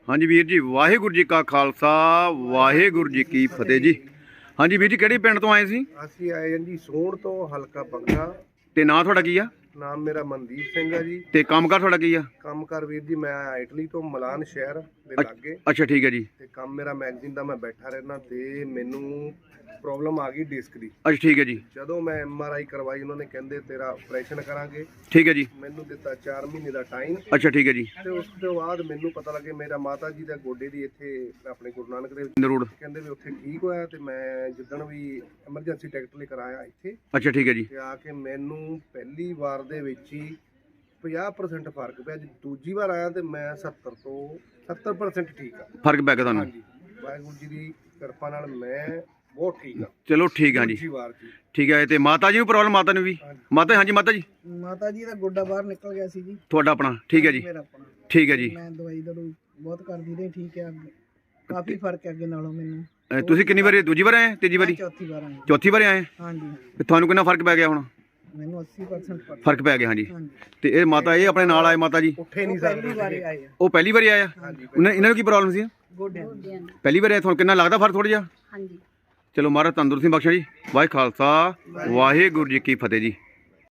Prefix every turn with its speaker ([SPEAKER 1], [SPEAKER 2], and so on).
[SPEAKER 1] हाँ जी वीर जी, वाहिगुरू जी का खालसा वाहिगुरू जी की फतेह जी। हाँ जी वीर जी, किहड़े पिंड तो आए सी?
[SPEAKER 2] ਅਸੀਂ ਆਏ ਹਾਂ ਜੀ ਸੋਹਣ ਤੋਂ ਹਲਕਾ ਬੰਗਾ।
[SPEAKER 1] ते नाम तुहाडा की आ?
[SPEAKER 2] ਨਾਮ ਮੇਰਾ ਮਨਦੀਪ ਸਿੰਘ ਆ ਜੀ।
[SPEAKER 1] ते कामकार तुहाडा की आ?
[SPEAKER 2] ਕੰਮਕਾਰ ਵੀਰ ਜੀ ਮੈਂ ਇਟਲੀ ਤੋਂ ਮਲਾਨ ਸ਼ਹਿਰ ਦੇ ਲਾਗੇ
[SPEAKER 1] अच्छा ठीक है जी।
[SPEAKER 2] ਤੇ ਕੰਮ ਮੇਰਾ ਮੈਗਜ਼ੀਨ ਦਾ ਮੈਂ ਬੈਠਾ ਰਹਿਣਾ ਤੇ ਮੈਨੂੰ ਪ੍ਰੋਬਲਮ ਆ ਗਈ ਡਿਸਕ ਦੀ।
[SPEAKER 1] अच्छा ठीक है जी।
[SPEAKER 2] ਜਦੋਂ ਮੈਂ ਐਮਆਰਆਈ ਕਰਵਾਈ ਉਹਨਾਂ ਨੇ ਕਹਿੰਦੇ ਤੇਰਾ ਆਪਰੇਸ਼ਨ ਕਰਾਂਗੇ।
[SPEAKER 1] ठीक है जी।
[SPEAKER 2] ਮੈਨੂੰ ਦਿੱਤਾ 4 ਮਹੀਨੇ ਦਾ ਟਾਈਮ
[SPEAKER 1] अच्छा ठीक है जी।
[SPEAKER 2] ਤੇ ਉਸ ਤੋਂ ਬਾਅਦ ਮੈਨੂੰ ਪਤਾ ਲੱਗੇ ਮੇਰਾ ਮਾਤਾ ਜੀ ਦਾ ਗੋਡੇ ਦੀ ਇੱਥੇ ਆਪਣੇ ਗੁਰੂ ਨਾਨਕ ਦੇਵ
[SPEAKER 1] रोड।
[SPEAKER 2] ਕਹਿੰਦੇ ਵੀ ਉੱਥੇ ਠੀਕ ਹੋਇਆ ਤੇ ਮੈਂ ਜਿੱਦਣ ਵੀ ਐਮਰਜੈਂਸੀ ਟਿਕਟ ਲੈ ਕਰ ਆਇਆ ਇੱਥੇ
[SPEAKER 1] अच्छा ठीक है जी।
[SPEAKER 2] ਤੇ ਆ ਕੇ ਮੈਨੂੰ ਪਹਿਲੀ ਵਾਰ ਦੇ ਵਿੱਚ ਹੀ 50% ਫਰਕ ਪਿਆ। ਜੀ ਦੂਜੀ ਵਾਰ ਆਇਆ ਤੇ ਮੈਂ 70 ਤੋਂ 70% ਠੀਕ ਆ।
[SPEAKER 1] फर्क पै गया तुहानू?
[SPEAKER 2] ਹਾਂਜੀ ਵਾਹਿਗੁਰੂ ਜੀ ਦੀ ਕਿਰਪਾ ਨਾਲ ਮੈਂ ਬਹੁਤ ਠੀਕ ਆ।
[SPEAKER 1] चलो ठीक है जी।
[SPEAKER 2] ਦੂਜੀ वार ਜੀ
[SPEAKER 1] ठीक है। ते माता जी नूं प्रॉब्लम माता नूं भी? माता हाँ जी माता जी
[SPEAKER 3] ਮਾਤਾ ਜੀ ਦਾ ਗੋਡਾ ਬਾਹਰ ਨਿਕਲ ਗਿਆ ਸੀ ਜੀ।
[SPEAKER 1] तुहाडा अपना ठीक है जी।
[SPEAKER 3] ਮੇਰਾ ਆਪਣਾ
[SPEAKER 1] ठीक है जी।
[SPEAKER 3] ਮੈਂ ਦਵਾਈ ਦਰੂ ਬਹੁਤ ਕਰਦੀ ਰਹੀ, ਠੀਕ ਹੈ ਅੱਗੇ ਕਾਫੀ ਫਰਕ ਹੈ ਅੱਗੇ ਨਾਲੋਂ ਮੈਨੂੰ।
[SPEAKER 1] ਤੁਸੀਂ ਕਿੰਨੀ ਵਾਰੀ ਦੂਜੀ ਵਾਰ ਆਏ? ਤੀਜੀ ਵਾਰੀ?
[SPEAKER 3] ਚੌਥੀ ਵਾਰ ਆਈ।
[SPEAKER 1] ਚੌਥੀ ਵਾਰ ਆਏ?
[SPEAKER 3] ਹਾਂਜੀ
[SPEAKER 1] ਤੇ ਤੁਹਾਨੂੰ ਕਿੰਨਾ ਫਰਕ ਪੈ ਗਿਆ ਹੁਣ?
[SPEAKER 3] ਮੈਨੂੰ 80% ਫਰਕ।
[SPEAKER 1] ਫਰਕ ਪੈ ਗਿਆ ਹਾਂਜੀ।
[SPEAKER 3] ਹਾਂਜੀ
[SPEAKER 1] ਤੇ ਇਹ ਮਾਤਾ ਇਹ ਆਪਣੇ ਨਾਲ ਆਏ ਮਾਤਾ ਜੀ?
[SPEAKER 2] ਉੱਠੇ ਨਹੀਂ
[SPEAKER 3] ਪਹਿਲੀ
[SPEAKER 2] ਸਕਦੇ
[SPEAKER 3] ਵਾਰ ਆਏ ਆ
[SPEAKER 1] ਉਹ ਪਹਿਲੀ ਵਾਰੀ ਆਇਆ? ਇਹਨਾਂ ਨੂੰ ਕੀ ਪ੍ਰੋਬਲਮ ਸੀ?
[SPEAKER 3] ਗੋਡਿਆਂ ਦੀ।
[SPEAKER 1] ਪਹਿਲੀ ਵਾਰੀ ਆਏ, ਤੁਹਾਨੂੰ ਕਿੰਨਾ ਲੱਗਦਾ ਫਰਕ ਥੋੜਾ ਜਿਹਾ?
[SPEAKER 4] ਹਾਂਜੀ।
[SPEAKER 1] ਚਲੋ ਮਹਾਰਾਜ ਤੰਦਰੁਸਤੀ ਬਖਸ਼ੇ ਜੀ। ਵਾਹਿ ਖਾਲਸਾ ਵਾਹਿਗੁਰੂ ਜੀ ਕੀ ਫਤਿਹ ਜੀ।